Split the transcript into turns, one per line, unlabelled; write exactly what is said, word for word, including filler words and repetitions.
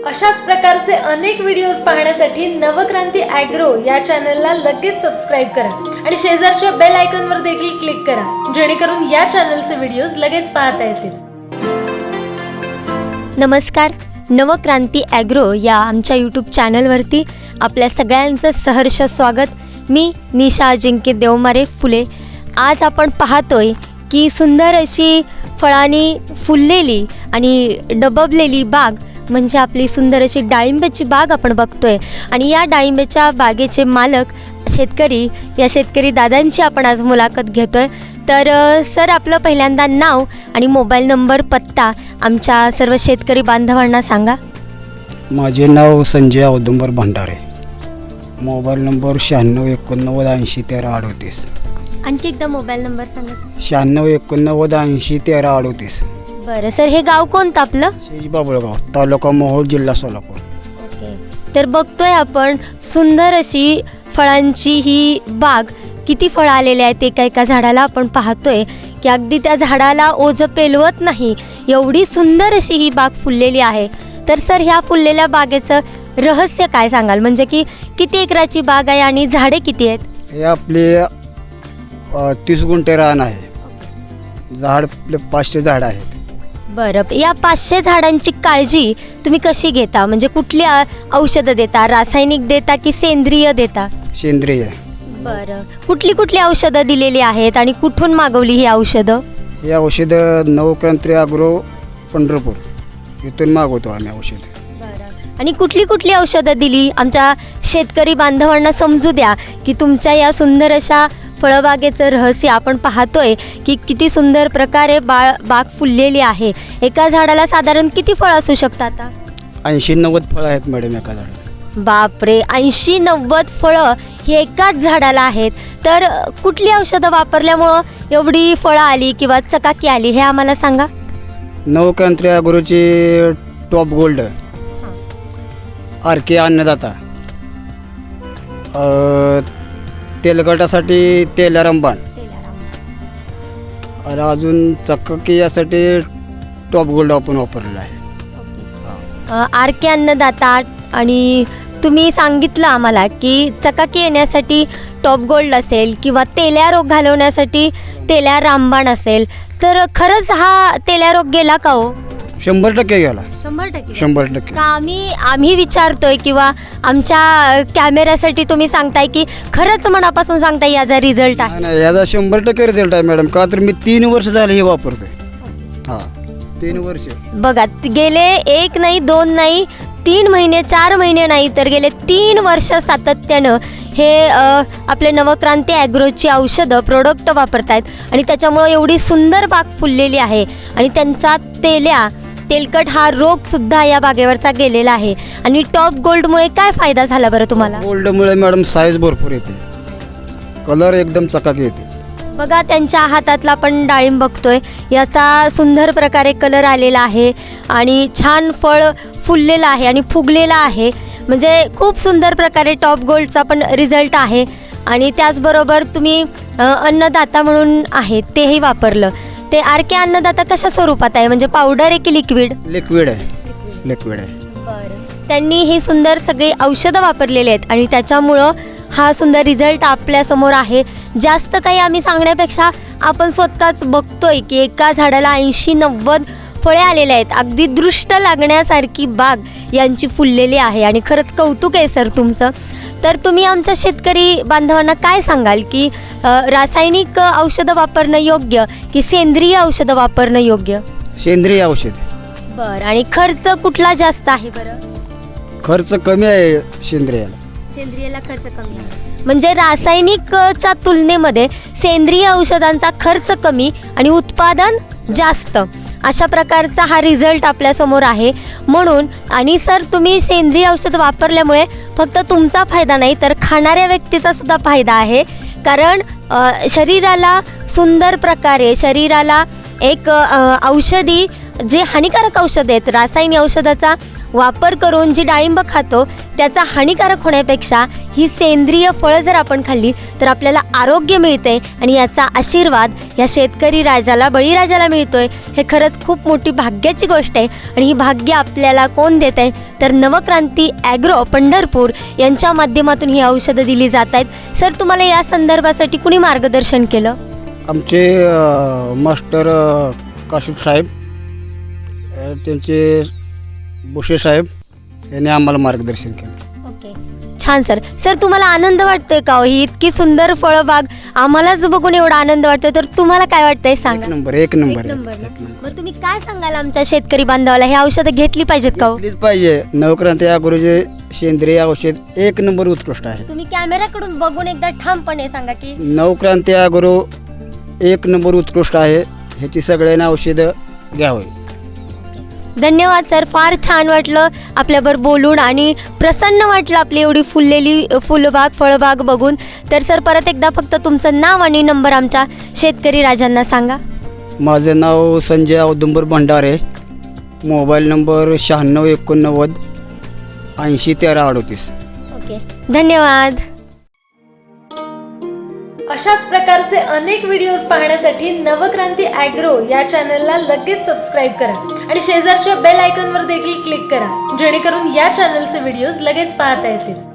अशाच प्रकारचे अनेक व्हिडिओज पाहण्यासाठी नवक्रांती ॲग्रो या चॅनलला लगेच सबस्क्राईब करा आणि शेजारच्या बेल आयकॉनवर देखील क्लिक करा, जेणेकरून या चॅनलचे व्हिडिओज लगेच पाहता येतील.
नमस्कार, नवक्रांती ॲग्रो या आमच्या यूट्यूब चॅनलवरती आपल्या सगळ्यांचं सहर्ष स्वागत. मी निशा अजिंक्य देवमारे फुले. आज आपण पाहतोय की सुंदर अशी फळांनी फुललेली आणि डबबलेली बाग म्हणजे आपली सुंदर अशी डाळिंबाची बाग आपण बघतोय. आणि या डाळिंबाच्या बागेचे मालक शेतकरी, या शेतकरी दादांची आपण आज मुलाखत घेतोय. तर सर, आपलं पहिल्यांदा नाव आणि मोबाईल नंबर, पत्ता आमच्या सर्व शेतकरी बांधवांना सांगा.
माझे नाव संजय औदुंबर भंडारे. मोबाईल नंबर शहाण्णव एकोणनव्वद ऐंशी तेरा अडोतीस.
आणखी एकदा मोबाईल नंबर सांगा.
शहाण्णव एकोणनव्वद ऐंशी तेरा अडोतीस.
बरं सर, हे गाव कोणतं आपलं?
शेज बाबुळगाव, तालुका मोहोळ, जिल्हा सोलापूर.
ओके. तर बघतोय आपण सुंदर अशी फळांची ही बाग. किती फळं आलेले आहेत एका एका झाडाला आपण पाहतोय की अगदी त्या झाडाला ओझं पेलवत नाही एवढी सुंदर अशी ही बाग फुललेली आहे. तर सर, ह्या फुललेल्या बागेचं रहस्य काय सांगाल? म्हणजे की किती एकराची बाग आहे आणि झाडे किती आहेत?
हे आपले अ, तीस गुंठे रान आहे. झाड आपले पाचशे झाड आहेत.
बरं, या पाचशे झाडांची काळजी तुम्ही कशी घेता? म्हणजे कुठली औषधं देता? रासायनिक देता की सेंद्रिय देता?
सेंद्रिय.
बरं, कुठली कुठली औषधं दिलेली आहेत आणि कुठून मागवली ही औषधं?
हे औषधं नवक्रांती ॲग्रो पंढरपूर इथून मागवतो आम्ही औषधं.
आणि कुठली कुठली औषधं दिली आमच्या शेतकरी बांधवांना समजू द्या की तुमच्या या सुंदर अशा फळबागेचं रहस्य. आपण पाहतोय की किती सुंदर प्रकारे बाळ बाग फुललेली आहे. एका झाडाला साधारण किती फळं असू शकतात? आता
ऐंशी नव्वद फळं आहेत मॅडम एका झाडाला.
बापरे, ऐंशी नव्वद फळं ही एकाच झाडाला आहेत. तर कुठली औषधं वापरल्यामुळं एवढी फळं आली किंवा चकाकी आली हे आम्हाला सांगा.
नवक्रांती ॲग्रोची top gold, R K Annadata, तेलकटासाठी तेल्या रंबान, आणि अजून चकाकी यासाठी टॉप गोल्ड आपण वापरलेला आहे.
आर के अन्नदाता. आणि तुम्ही सांगितलं आम्हाला की चकाकी येण्यासाठी टॉप गोल्ड असेल किंवा तेल्या रोग घालवण्यासाठी तेल्या रामबाण असेल. तर खरंच हा तेल्या रोग गेला का हो?
शंभर टक्के गेला.
शंभर टक्के
शंभर टक्के
का आम्ही आम्ही विचारतोय किंवा आमच्या कॅमेऱ्यासाठी तुम्ही सांगताय की खरंच मनापासून सांगताय याचा रिझल्ट आहे?
नाही, याचा शंभर टक्के रिझल्ट आहे मॅडम. का तर मी तीन वर्ष झाले हे वापरतोय. हां, तीन वर्ष. बघा,
गेले एक नाही, दोन नाही, तीन महिने, चार महिने नाही, तर गेले तीन वर्ष सातत्यानं हे आपले नवक्रांती ॲग्रोची औषधं प्रोडक्ट वापरतायत आणि त्याच्यामुळं एवढी सुंदर बाग फुललेली आहे. आणि त्यांचा तेल्या तेलकट हा रोगसुद्धा या बागेवरचा गेलेला आहे. आणि टॉप गोल्डमुळे काय फायदा झाला बरं तुम्हाला?
गोल्डमुळे मॅडम साईज भरपूर येते, कलर एकदम चकाकी येते.
बघा, त्यांच्या हातातला आपण डाळिंब बघतोय, याचा सुंदर प्रकारे कलर आलेला आहे आणि छान फळ फुललेलं आहे आणि फुगलेलं आहे. म्हणजे खूप सुंदर प्रकारे टॉप गोल्डचा पण रिझल्ट आहे. आणि त्याचबरोबर तुम्ही अन्नदाता म्हणून आहे तेही वापरलं. ते आर के अन्नदाता कशा स्वरूपात आहे? म्हणजे पावडर आहे की लिक्विड?
लिक्विड आहे. लिक्विड आहे.
बरं, त्यांनी ही सुंदर सगळी औषधं वापरलेली आहेत आणि त्याच्यामुळं हा सुंदर रिझल्ट आपल्यासमोर आहे. जास्त काही आम्ही सांगण्यापेक्षा आपण स्वतःच बघतोय की एका झाडाला ऐंशी नव्वद फळे आलेले आहेत. अगदी दृष्ट लागण्यासारखी बाग यांची फुललेली आहे आणि खरंच कौतुक आहे सर तुमचं. तर तुम्ही आमच्या शेतकरी बांधवांना काय सांगाल की रासायनिक औषधं वापरणं योग्य की सेंद्रिय औषधं वापरणं योग्य?
सेंद्रिय औषध.
बरं, आणि खर्च कुठला जास्त आहे बरं?
खर्च कमी आहे सेंद्रियाला.
सेंद्रियला खर्च कमी आहे. म्हणजे रासायनिकच्या तुलनेमध्ये सेंद्रिय औषधांचा खर्च कमी आणि उत्पादन जास्त, अशा प्रकारचा हा रिझल्ट आपल्यासमोर आहे. म्हणून आणि सर, तुम्ही सेंद्रिय औषध वापरल्यामुळे फक्त तुमचा फायदा नाही तर खाणाऱ्या व्यक्तीचा सुद्धा फायदा आहे. कारण शरीराला सुंदर प्रकारे शरीराला एक औषधी जे हानिकारक औषध आहेत, रासायनिक औषधाचा वापर करून जी डाळिंब खातो त्याचा हानिकारक होण्यापेक्षा ही सेंद्रिय फळं जर आपण खाल्ली तर आपल्याला आरोग्य मिळते आणि याचा आशीर्वाद या शेतकरी राजाला बळीराजाला मिळतोय. हे खरंच खूप मोठी भाग्याची गोष्ट आहे आणि ही भाग्य आपल्याला कोण देत आहे तर नवक्रांती ॲग्रो पंढरपूर यांच्या माध्यमातून ही औषधं दिली जात आहेत. सर, तुम्हाला या संदर्भासाठी कुणी मार्गदर्शन केलं?
आमचे अ, मास्टर अ, काशिफ साहेब, अ, त्यांचे बुशे साहेब यांनी आम्हाला मार्गदर्शन केलं.
ओके, छान सर. सर, तुम्हाला आनंद वाटतोय का हो? ही इतकी सुंदर फळबाग आम्हालाच बघून एवढा आनंद वाटतोय तर तुम्हाला काय वाटतंय
एक
सांगा.
नंबर एक नंबर
एक नंबर
एक
ना?
नंबर.
मग तुम्ही काय सांगाल आमच्या शेतकरी बांधवाला हे औषधं घेतली पाहिजेत का हो?
घेतलीच पाहिजे. नवक्रांती ॲग्रोचे सेंद्रिय औषध एक नंबर उत्कृष्ट आहे.
तुम्ही कॅमेराकडून बघून एकदा ठामपणे सांगा की
नवक्रांती ॲग्रो एक नंबर उत्कृष्ट आहे. ह्याची सगळ्यांना औषधं घ्यावी.
धन्यवाद सर. फार छान वाटलं आपल्याबरोबर बोलून आणि प्रसन्न वाटलं आपली एवढी फुललेली फुलबाग फळबाग बघून. तर सर, परत एकदा फक्त तुमचं नाव आणि नंबर आमच्या शेतकरी राजांना सांगा.
माझं नाव संजय औदुंबर भंडारे. मोबाईल नंबर शहाण्णव एकोणनव्वद ऐंशी तेरा अडोतीस.
ओके, धन्यवाद.
अशाच प्रकारचे अनेक व्हिडिओज पाहण्यासाठी नवक्रांती ॲग्रो या चॅनलला लगेच सबस्क्राईब करा आणि शेजारच्या बेल आयकॉनवर देखील क्लिक करा जेणेकरून या चॅनलचे व्हिडिओज लगेच पाहता येतील.